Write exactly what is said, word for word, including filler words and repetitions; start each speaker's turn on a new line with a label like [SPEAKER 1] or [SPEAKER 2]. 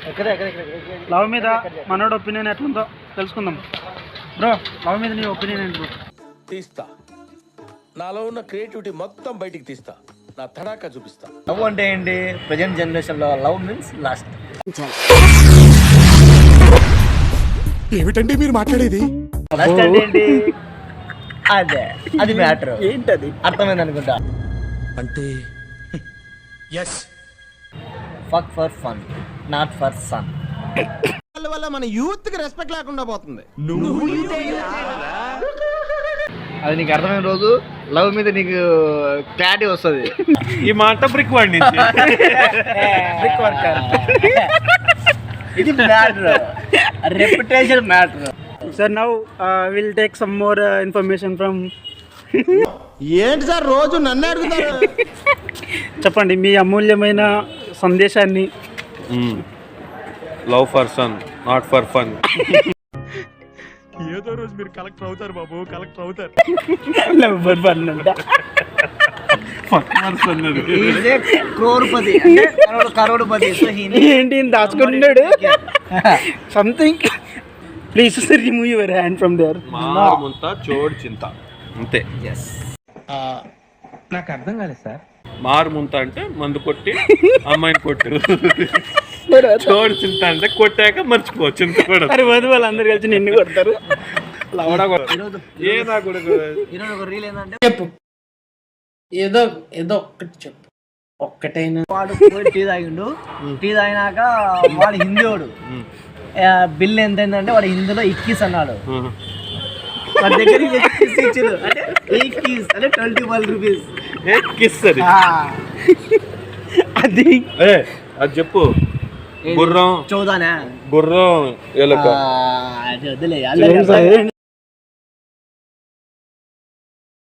[SPEAKER 1] Love మీద మనోడు opinion ఎట్లుందో తెలుసుకుందాం. బ్రో, లవ్ మీద నీ ఒపీనియన్ ఏంటి బ్రో?
[SPEAKER 2] తీస్తా, నాలో ఉన్న క్రియేటివిటీ మొత్తం బయటికి తీస్తా, నా తడాకా చూపిస్తా.
[SPEAKER 3] లవ్ అంటే ఏంటి? ప్రజెంట్ జనరేషన్ లో లవ్ మీన్స్ లాస్ట్.
[SPEAKER 4] ఏమిటండి మీరు మాట్లాడేది?
[SPEAKER 3] లాస్ట్ అంటే ఏంటి? అదే అది మ్యాటర్.
[SPEAKER 1] ఏంటది?
[SPEAKER 3] అర్థమైంది అనుకుంటా.
[SPEAKER 4] అంటే yes,
[SPEAKER 3] fuck for fun, not for son.
[SPEAKER 4] వల్ల మన యూత్ కి రెస్పెక్ట్ లేకుండా పోతుంది.
[SPEAKER 3] అది నీకు అర్థమైన రోజు లవ్ మీద నీకు క్లారిటీ వస్తుంది.
[SPEAKER 1] ఈ మాట బ్రిక్ వాడి బ్రిక్ వర్కర్.
[SPEAKER 3] ఇది matter, reputation matter.
[SPEAKER 1] Sir, now will take some more information from.
[SPEAKER 4] ఏంటి సార్ రోజు నన్ను అడుగుతారు?
[SPEAKER 1] చెప్పండి మీ అమూల్యమైన సందేశాన్ని.
[SPEAKER 5] Love for son, not for fun.
[SPEAKER 4] ఏదో రోజు మీరు కలెక్టర్ అవుతారు బాబు, కలెక్టర్ అవుతారు.
[SPEAKER 1] లవ్ ఫర్ ఫన్ అంట.
[SPEAKER 3] క్రోర్పతి, కరోడ్పతి.
[SPEAKER 1] ఏంటి దాచుకుంటున్నాడు? Something. Please remove your hand from there.
[SPEAKER 5] మారుముంత చోడు చింత అంతే.
[SPEAKER 6] నాకు అర్థం కాలేదు సార్.
[SPEAKER 5] మారుముంత అంటే మందు కొట్టి అమ్మాయిని కొట్టు, చోడు చింత అంటే కొట్టాక మర్చిపో చింత కూడా.
[SPEAKER 1] అరే వద్దు, వాళ్ళందరూ కలిసి నిన్ను కొడతారు.
[SPEAKER 5] లవడా ఏ నా కూడా.
[SPEAKER 3] ఈరోజు ఒక రీల్ ఏంటంటే,
[SPEAKER 6] చెప్పు, ఏదో ఏదో ఒక్కటి చెప్పు, ఒక్కటైనా.
[SPEAKER 3] వాడు పోయి టీ తాగిండు. టీ తాగినాక వాడు హిందీ వాడు. బిల్ ఎంత అయిందంటే వాడు హిందీలో ఇక్కీస్ అన్నాడు. వాడి దగ్గర ఇచ్చారు అంటే ఇక్కీస్ అంటే ట్వంటీ వన్ రూపీస్.
[SPEAKER 5] కిస్ అది.
[SPEAKER 1] అది
[SPEAKER 5] ఏ అది చెప్పు. గుర్రం
[SPEAKER 3] చౌదానా
[SPEAKER 5] గుర్రం ఎలుక.
[SPEAKER 3] వద్దులే.